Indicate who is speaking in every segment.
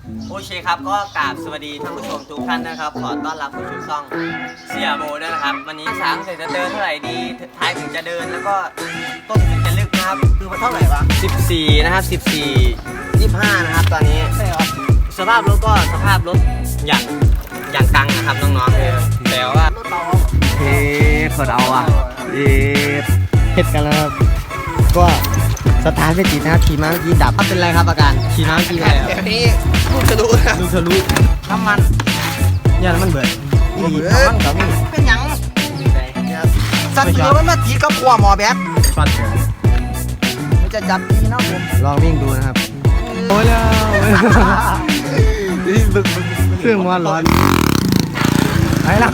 Speaker 1: โอเคครับก็กราบสวัสดีท่านผู้ชมทุกท่านนะครับขอต้อนรับเข้าสู่ช่องเสียโบด้วยนะครับวันนี้ช้างเสร็จจะเดินเท่าไหร่ดีท้ายถึงจะเดินแล้วก็ต้นถึงจะลึกนะครับคือมันเท่าไหร่วะ14นะครับ14 25นะครับตอนนี้ใช่ครับสภาพรถก็สภาพรถอย่างกังนะครับน้องๆแต่ว่ารถเบาเฮ้เปิดเอาอ่ะเฮ็ดกันแล้วครับก็สตาร์ทไม่ติดนะครับขี่ม้าเมื่อกี้ดับเป็นไรครับอาการขี่ม้าเมื่อกี้เป็นไรครับ
Speaker 2: เดี๋ยวนี้ลูกทะลุนะ
Speaker 1: ลูกทะลุ
Speaker 2: น้ำมัน
Speaker 1: เนี่ยมันเบิด
Speaker 2: น้ำมันกับมีเป็นหยังสัตว์เลี้ยมันมาตีกับขัวหมอแบท
Speaker 1: ช็อต
Speaker 2: มันจะจับดีนะผม
Speaker 1: ลองวิ่งดูนะครับโอ้ยแล้วเครื่องมันร้อนไปแล้ว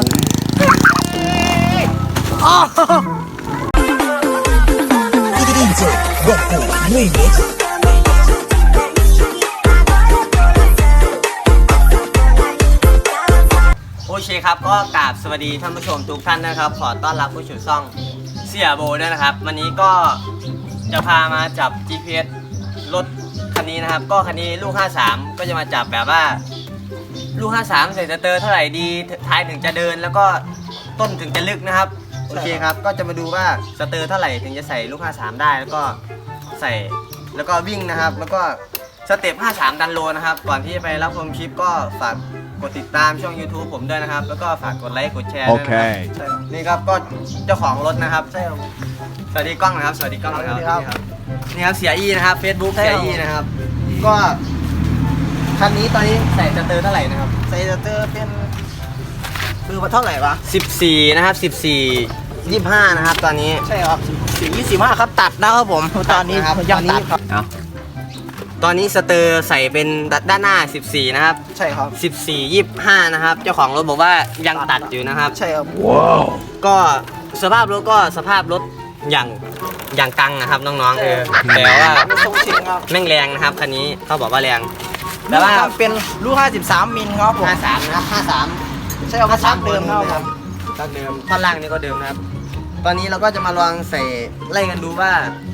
Speaker 1: โอเคครับก็กราบสวัสดีท่านผู้ชมทุกท่านนะครับขอต้อนรับผู้ชมช่องเสียโบด้วยนะครับวันนี้ก็จะพามาจับ GPS รถคันนี้นะครับก็คันนี้ลูก53ก็จะมาจับแบบว่าลูก53ใส่สเตอร์เท่าไหร่ดีท้ายถึงจะเดินแล้วก็ต้นถึงจะลึกนะครับโอเคครับก็จะมาดูว่าสเตอร์เท่าไหร่ถึงจะใส่ลูก53ได้แล้วก็ใส่แล้วก็วิ่งนะครับแล้วก็สเต็ป53ดันโลนะครับก่อนที่จะไปรับชมคลิปก็ฝากกดติดตามช่อง YouTube ผมด้วยนะครับแล้วก็ฝากกดไลค์กดแชร์ด้วยนะครับ
Speaker 2: ใช่ครับ
Speaker 1: นี่ครับก็เจ้าของรถนะครับ
Speaker 2: ใช่ครับ
Speaker 1: สวัสดีกล้องนะครับสวัสดีกล้องนะครับ
Speaker 2: สวัสดีครับ
Speaker 1: นี่ครับเสียอี้นะครับ Facebook
Speaker 2: ใช่
Speaker 1: เสี
Speaker 2: ค
Speaker 1: ย
Speaker 2: รับ
Speaker 1: อี้นะครับ ก็คันนี้ตอนนี้ใส่สเตอร์เท่าไหร่นะครับ
Speaker 2: ใส่สเตอร์เป็นคือมาเท่าไหร่วะ
Speaker 1: 14นะครับ14 25นะครับตอนนี้
Speaker 2: ใช่ครับ4 25ครับตัดนะครับผมตอนนี้
Speaker 1: ครับ
Speaker 2: ยังตัดครับ
Speaker 1: ตอนนี้สเตอร์ใส่เป็นด้านหน้า14นะครับ
Speaker 2: ใช่ครับ
Speaker 1: 14 25นะครับเจ้าของรถบอกว่ายังตัดอยู่นะครับ
Speaker 2: ใช่ครับ
Speaker 1: ก็สภาพรถก็สภาพรถอย่างกังนะครับน้องๆแต่ว่า
Speaker 2: ทรงชิงครับ
Speaker 1: แม่งแรงนะครับคันนี้เขาบอกว่าแรงแต่ว่า
Speaker 2: เป็นลูก53มิลครับผม
Speaker 1: 53นะครับ53
Speaker 2: ใช่ครับชักเดิมครับ
Speaker 1: ชักเดิมท่อนล่างนี่ก็เดิมนะครับ ตอนนี้เราก็จะมาลองใส่ไล่กันดูว่า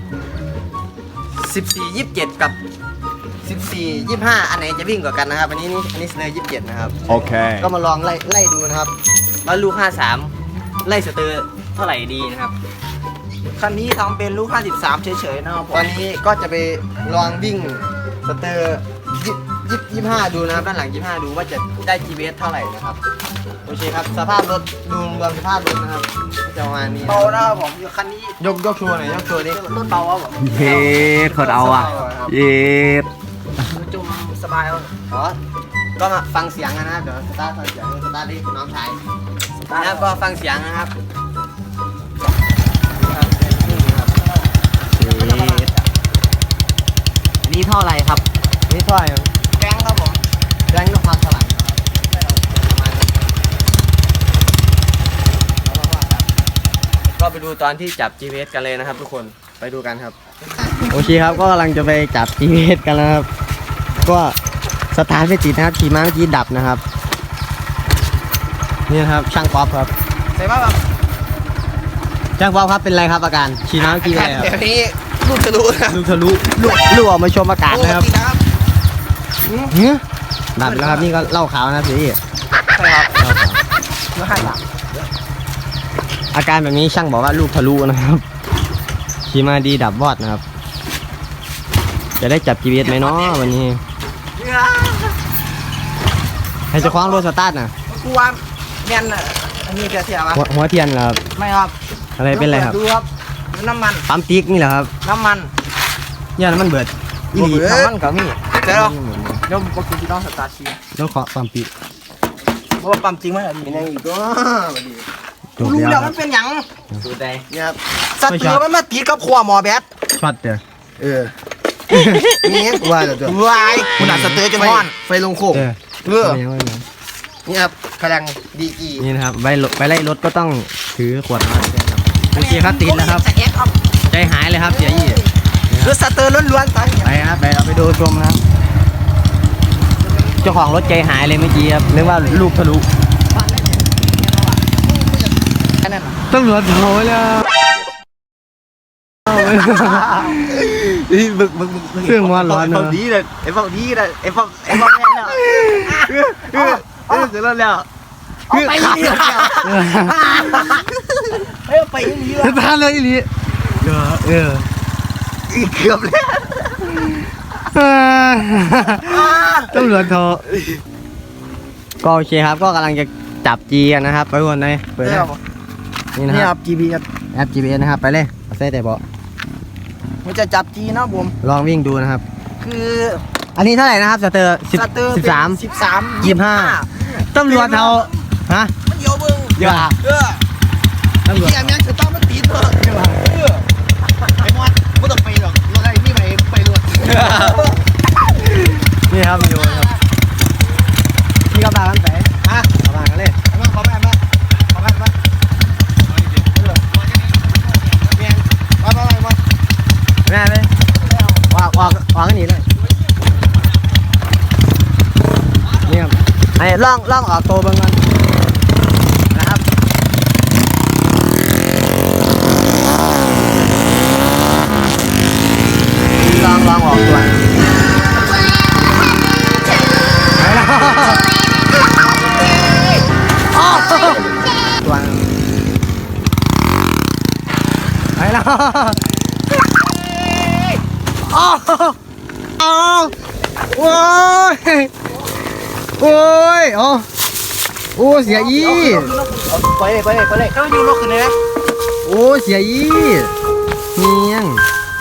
Speaker 1: 14 27กับ14 25อันไหนจะวิ่งกว่ากันนะครับอันนี้สเตอร์27นะครับ
Speaker 3: Okay.
Speaker 1: ก็มาลองไล่ดูนะครับว่าลูก53ไล่สเตอร์เท่าไหร่ดีนะครับ
Speaker 2: คันนี้ทำเป็นลูก53เฉยๆนะครับผ
Speaker 1: ตอ
Speaker 2: ม
Speaker 1: นนี้ก็จะไปลองวิ่งสเตอร์25ดูนะครับด้านหลัง25ดูว่าจะได้ GPS เท่าไหร่นะครับโอเคครับสภาพรถดูรวมสภาพรถนะครับจะประมาณนี้
Speaker 2: เบานะครับผมคันนี้
Speaker 1: ยกโชว์หน่อยยกโชว์ดิ
Speaker 2: รถเบาครับผม
Speaker 3: เฮ็ดเขาเอาอ่ะเย็ด
Speaker 2: จุ่มสบายครับ
Speaker 1: อ๋อก็มาฟังเสียงกันนะครับเดี๋ยวสตาร์ทฟังเสียงสตาร์ทดิน้องชายนะครับก็ฟังเสียงนะครับอันนี้ท่ออะไรครับอันนี้ท่ออะไรครับ
Speaker 2: แกงครับผม
Speaker 1: แรงนกพักสลัดประมาณนี้ก็ไปดูตอนที่จับ GPS กันเลยนะครับทุกคนไปดูกันครับโอเคครับก็กำลังจะไปจับ GPS กันแล้วครับก็สตาร์ทไม่ติดนะครับขี่ม้าเมื่อกี้ดับนะครับนี่นะครับช่างป๊อปครับ
Speaker 2: ใส่มาแบบ
Speaker 1: ช่างป๊อปครับเป็นไรครับอาการขี่ม้าเมื่อกี้เป็นไรครับ
Speaker 2: เดี๋ยวนี้ลูกทะลุนะ
Speaker 1: ลูกทะลุลูกออกมาชมอากาศนะครับ
Speaker 2: ปกตินะครับ
Speaker 1: เฮ้ยดับแล้วครับนี่ก็เหล้าขาวนะพี่
Speaker 2: ใช่ครับลูก53
Speaker 1: อาการแบบนี้ช่างบอกว่าลูกทะลุนะครับขี่มาดีดับวอดนะครับ จะได้จับ GPS ไหมเนาะวันนี้ให้เจะคว้าของรถสตาร์ทนะ
Speaker 2: กูว่าแม่นอันนี้เสียๆวะ
Speaker 1: หัวเทียนเหรอครับ
Speaker 2: ไม่ครับ
Speaker 1: อะไรเป็นไรครับ
Speaker 2: ดูครับน้ำมัน
Speaker 1: ปั๊มติ๊กนี่เหรอครับ
Speaker 2: น้ำมัน
Speaker 1: เนี่ยมันเบิดอีหลี
Speaker 2: น้ำมันกับมีเดี๋ยวเดี๋ยวปกติต้องสตาร์ทชี
Speaker 1: ต้องเคาะปั๊มติ๊ก
Speaker 2: เพราะว่าปั๊มจริงไหมอัน
Speaker 1: เป็น
Speaker 2: นี้
Speaker 1: ยังอีกก็จบ
Speaker 2: รู้
Speaker 1: แล้ว
Speaker 2: แล้ว
Speaker 1: ค
Speaker 2: มั
Speaker 1: รับ
Speaker 2: นเป็นหยัง
Speaker 1: ดูได้เนี่ยครับ
Speaker 2: สัตว์เลี้ยมันมาตีกับขัวหมอแบท
Speaker 1: ช็อตเด้อ
Speaker 2: นี่
Speaker 1: ว่าเดี๋ยว
Speaker 2: วายคุณอาจสเตอร์จะมอน
Speaker 1: ไฟลงโค้ง
Speaker 2: นี่ครับกำลังดีกี
Speaker 1: นี่นะครับไปไล่รถก็ต้องถือขวดน้ำโอเคครับติดแล้วครับ
Speaker 2: สเก็ตครับ
Speaker 1: ใจหายเลยครับเสียยี่
Speaker 2: รถสเตอร์ล้วนๆตอนนี้
Speaker 1: ไปครับไปเราไปดูชมนะครับเจ้าของรถใจหายเลยเมื่อกี้ครับนึกว่าลูกทะลุ
Speaker 2: แค่นั้นเหรอ
Speaker 1: ตำรวจโผล่แล้ว
Speaker 3: เครื่องมันร้อนเนอะ
Speaker 2: ดีเลยไอ้พวกนี้เลยไอ้พวกแม่เนี่ยเสร็จแล้วแล้วไปนี่ไปนี่ละ
Speaker 3: ทานเลยอีหลีเออ
Speaker 2: อีกเกือบแล้ว
Speaker 3: ตำรวจโทรก็โอเคครับก็กำลังจะจับจีกันนะครับไปวนเลยเปิดเลยนี่นะ
Speaker 2: นี่
Speaker 3: ค
Speaker 2: ค
Speaker 3: รั
Speaker 2: รั
Speaker 3: บบ
Speaker 2: GPS
Speaker 3: แอป GPS นะครับไปเลยเอาใส่แต่เบาะ
Speaker 2: มันจะจับจีนะผม
Speaker 3: ลองวิ่งดูนะครับ
Speaker 2: คือ
Speaker 3: อันนี้เท่าไหร่นะครับสเตอร์
Speaker 2: สเตอร์
Speaker 3: 13 25ตำรวจเขาฮะ
Speaker 2: มันเยอะมึง
Speaker 3: เยอะ ตำรวจ
Speaker 2: ที่แอมยังจะต้องมาตีเถอะไอ้มอดไม่ต้องไปหรอกรถอะไรนี่ไปรถ
Speaker 3: นี่ครับวิดีโอครับนี่ก็ตามกันไป
Speaker 2: ฮะ
Speaker 3: ตามกันเลย
Speaker 2: ขอแม่มา
Speaker 3: แม่เลยออกกันหนีเลยนี่ครับไอ้ล่องออกตัวเบิ่งก่อนนะครับลองออกตัวไปแล้วตัวไปแล้วอ้าวโอ้ยโอ้ยโอ้เสียอี
Speaker 2: ไปเลยเจ้าอยู่รถขึ้นเลยนะ
Speaker 3: โอ้เสียอีเนียง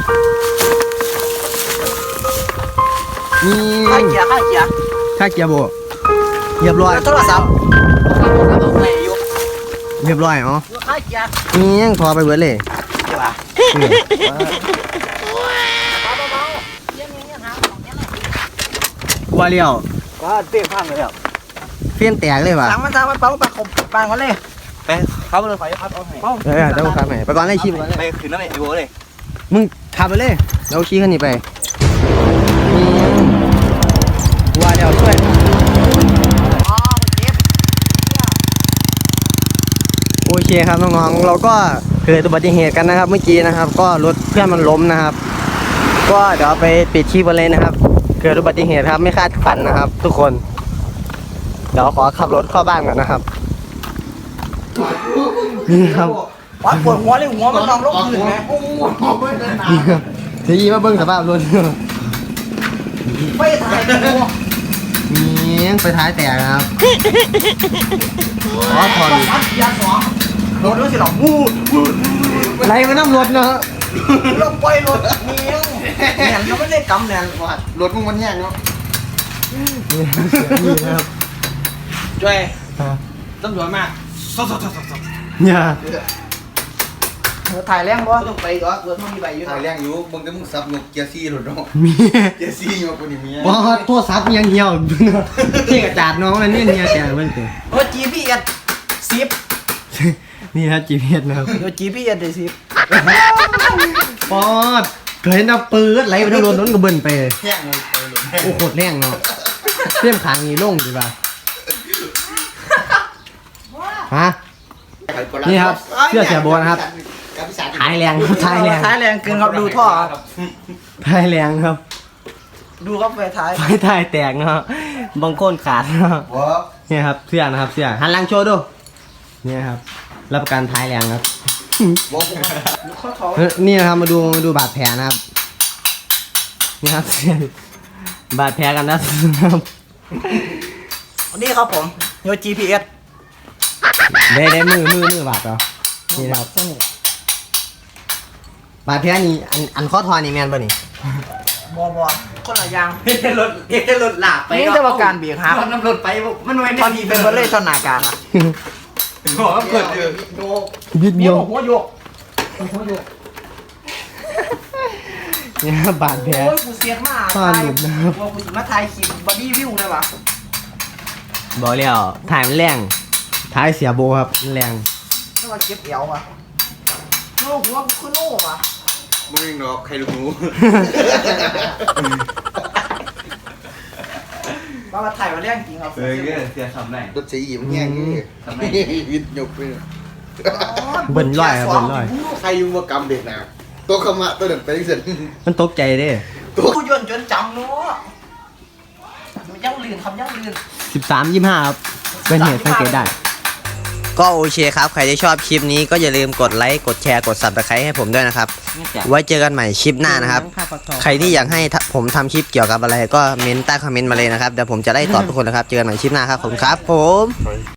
Speaker 3: นี่
Speaker 2: ข้าเกียร์
Speaker 3: ค่าเกียร์โบเรียบร้อย
Speaker 2: โทรศัพท์ไปอยู่
Speaker 3: เรียบร้อยอ๋อ
Speaker 2: ข้าเกียร์
Speaker 3: เนียงพอไปเบิดเลย
Speaker 2: ใช่ป่ะ
Speaker 3: ว่าเลี้ยว
Speaker 2: ก็เตี้ยพังเลยแล้ว
Speaker 3: เฟี้ยนแตกเลยว่ะ
Speaker 2: สั่งมันเป้าไปขบปางก่อนเลยไปเขาไปเลยไฟพัดเอาให้
Speaker 3: เดี๋ยวขับไปไปก่อนเลยชิมก่อนเลย
Speaker 2: ไปขึ้นแล้วไอ้โบเลย
Speaker 3: มึงขับไปเลยเราขี่คันนี้ไปนี่ว่าเดี๋ยวช่วย
Speaker 2: อ๋อเจ็บ
Speaker 3: โอเคครับน้องๆเราก็เกิดอุบัติเหตุกันนะครับ เมื่อกี้นะครับ ก็รถเพื่อนมันล้มนะครับ ก็เดี๋ยวไปปิดคลิปกันเลยนะครับ เกิดอุบัติเหตุครับไม่คาดฝันนะครับ ทุกคน เดี๋ยวขอขับรถเข้าบ้านก่อนนะครับนี่ครับ
Speaker 2: วัดปวดหัวเลยหัวมันนองลงพื้นไหม
Speaker 3: นี่ครับเสียยีมาเบิ้งสภาพรถ
Speaker 2: ไปถ่ายตัว
Speaker 3: นี่ไปท้ายแตกนะครับอ๋อถอด
Speaker 2: วัดยาสองรถด้วยสิหรอวูด
Speaker 3: ไรมาน้ำรถเนาะ
Speaker 2: ลงไปรถเมียงเนี่ยเขาไม่ได้กำเนี่ยวัด
Speaker 3: รถมึงมันแย่งเนาะนี่นะครับ
Speaker 2: ช่วยตำรวจมา
Speaker 3: เนี่ย
Speaker 2: ถ่ายแรงบ่ต้องไปก็รถมันมีใบอยู่
Speaker 4: ถ่ายเรื่องอยู่มึงก็มึงซับนกเกียร์ซี่หลุดเนาะ
Speaker 3: มี
Speaker 4: เกียร์ซี่มาคนนี้มี
Speaker 3: ว่าตัวซับยังเหี่ยวที่กระจาดน้องนั่นเนี่ยแกมันเกิด
Speaker 2: รถ GPS 10
Speaker 3: นี่ครับ GPS นะครับ
Speaker 2: รถ GPS ได้10
Speaker 3: ปอดเคยเห็นเอาปืนไหลไปทางรถนั้นก็เบิ่นไป
Speaker 4: แห้งเลยไปเลย
Speaker 3: โอ้โคตรแรงเนาะเสี้ยมขางนี่ลงดีป่ะฮะ นี่ครับเสื้อเสียโบนะครับท้ายแรงครับท้ายแรง
Speaker 2: ท้ายแรงเกินครับดูท่อครับ
Speaker 3: ท้ายแรงครับ
Speaker 2: ดูครับไฟท้าย
Speaker 3: ไฟท้ายแตกเนาะบางคนขาดเนาะ
Speaker 4: ว้า
Speaker 3: เนี่ยครับเสื้อนะครับเสื้อหันหลังโชว์ดูเนี่ยครับรับประกันท้ายแรงครับ
Speaker 4: ว้า
Speaker 2: ข้อท้อง
Speaker 3: นี่นะครับมาดูบาดแผลนะครับนี่ครับเสื้อบาดแผลกันนะครับ
Speaker 2: นี่ครับผมโย GPS
Speaker 3: ได้มือบาดเหรอนี่นะครับบาดแผลนี่อันข้อทอนี่แมนป่ะนี่
Speaker 2: บคนละอย่าง
Speaker 4: เฮ็ดรถหลาบไป
Speaker 2: นี่จะว่าการเบรกครับ
Speaker 4: น้ำรถไปมันไว้
Speaker 2: ตอนนี้เป็นเบอร์เล่ตอนหนากลางอ่ะ
Speaker 4: บอกว่าเกิดอยู่
Speaker 3: บิด
Speaker 2: นี่
Speaker 3: เบี้ยว
Speaker 2: หัวโยก
Speaker 3: เนี่ยครับบาดแผล
Speaker 2: โอ้ยกูเสียมาก
Speaker 3: ซ่อนหลุมนะครับ
Speaker 2: ว่ากูมาถ่ายคลิปบอดี้วิวได้ปะ
Speaker 3: บอกแล้วถ่ายมันแรงท้ายเสียโบครับมันแรง
Speaker 2: ต้องมาเก็บเอวอ่ะโอ้หัวกูขึ้นโอ้อะ
Speaker 4: มึงเองดอกใครรู้
Speaker 2: มาถ่ายมาเรื่องจริงครับ
Speaker 4: เสียทำไรรถสีอิ่มแห้งนี่ทำไมวิทย์ยกไป
Speaker 3: เบิ่นร้อยครับเบิ่นร้อย
Speaker 4: ใครยุ่งว่ากำเด็กนะตัวขมะตัวเดินไปเสร็จ
Speaker 3: มันตกใจเด้
Speaker 2: ตัวยนต์จนจำเนาะมันยังลื่นคำยังลื่น
Speaker 3: 13-25ครับเป็นเหตุสังเกตได้ ก็โอเคครับ ใครที่ชอบคลิปนี้ก็อย่าลืมกดไลค์ กดแชร์ กด Subscribe ให้ผมด้วยนะครับ ไว้เจอกันใหม่คลิปหน้านะครับ ใครที่อยากให้ผมทำคลิปเกี่ยวกับอะไรก็เม้นใต้คอมเมนต์มาเลยนะครับ เดี๋ยวผมจะไล่ตอบทุกคนนะครับ เจอกันใหม่คลิปหน้าครับผมครับผม